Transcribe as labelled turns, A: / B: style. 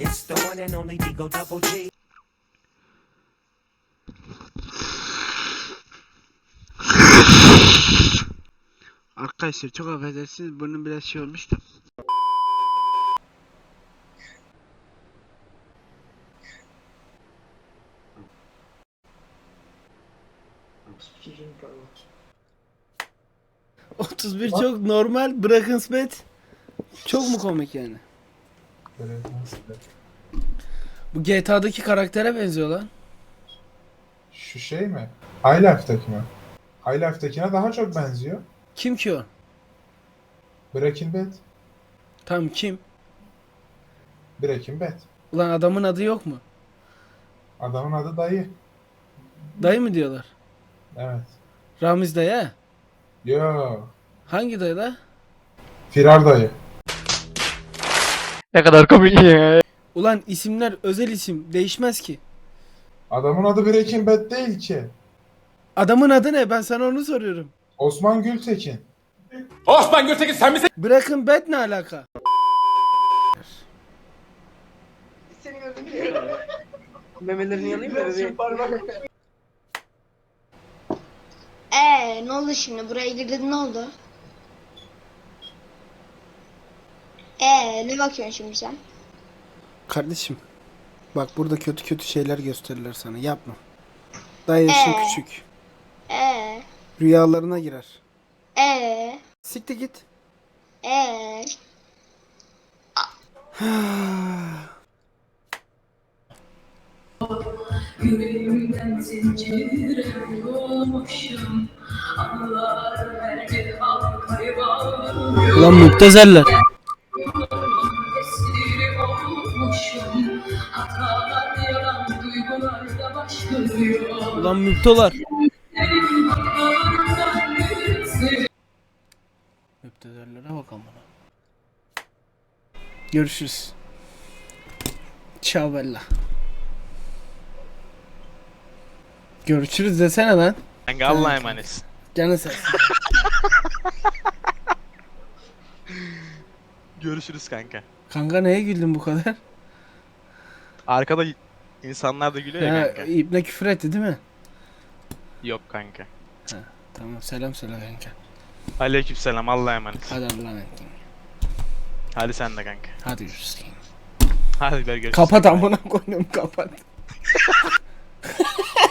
A: It's the one and only Digo Double G.
B: Arkadaşlar çok affedersiniz, burnum biraz şey olmuş da. ...31 çok normal, bırakın spet. Çok mu komik yani? Bu GTA'daki karaktere benziyor lan.
C: Şu şey mi? High Life'daki mi? High Life'dakine daha çok benziyor.
B: Kim ki o?
C: Breaking Bad.
B: Tam kim?
C: Breaking Bad.
B: Ulan adamın adı yok mu?
C: Adamın adı dayı.
B: Dayı mı diyorlar?
C: Evet.
B: Ramiz dayı ha?
C: Yo.
B: Hangi dayı la?
C: Firar dayı.
D: Ne kadar komik ya.
B: Ulan isimler özel isim, değişmez ki.
C: Adamın adı Breaking Bad değil ki.
B: Adamın adı ne? Ben sana onu soruyorum.
C: Osman Gültekin.
E: Osman Gültekin sen misin?
B: Bırakın bet ne alaka?
F: Memelerini yalayayım mı bebeğim?
G: Ne oldu şimdi? Buraya girdin, ne oldu? Ne bakıyorsun şimdi sen?
B: Kardeşim, bak burada kötü kötü şeyler gösterirler sana. Yapma. Daha yaşın küçük. Rüyalarına girer. Siktir git.
H: Yüreğimden zincire vurmuşum. Anılar verdi halkayı bağlıyor.
B: Ulan müptezeller.
H: Esiri olmuşum. Hatalar yalan duygularda başlıyor.
B: Ulan müptelar. Müptezellere bak amına. Görüşürüz. Ciao bella. Görüşürüz desene lan.
D: Kanka Allah'a emanetsin.
B: Canı sen.
D: Görüşürüz kanka.
B: Kanka neye güldün bu kadar?
D: Arkada insanlar da gülüyor ya
B: Ha,
D: kanka.
B: İbne küfür etti değil mi?
D: Yok kanka.
B: Tamam, selam söyle kanka.
D: Aleykümselam, Allah'a emanet.
B: Hadi Allah'a emanet.
D: Hadi sen de kanka.
B: Hadi görüşürüz.
D: Hadi görüşürüz.
B: Kapat amına koyayım, kapat.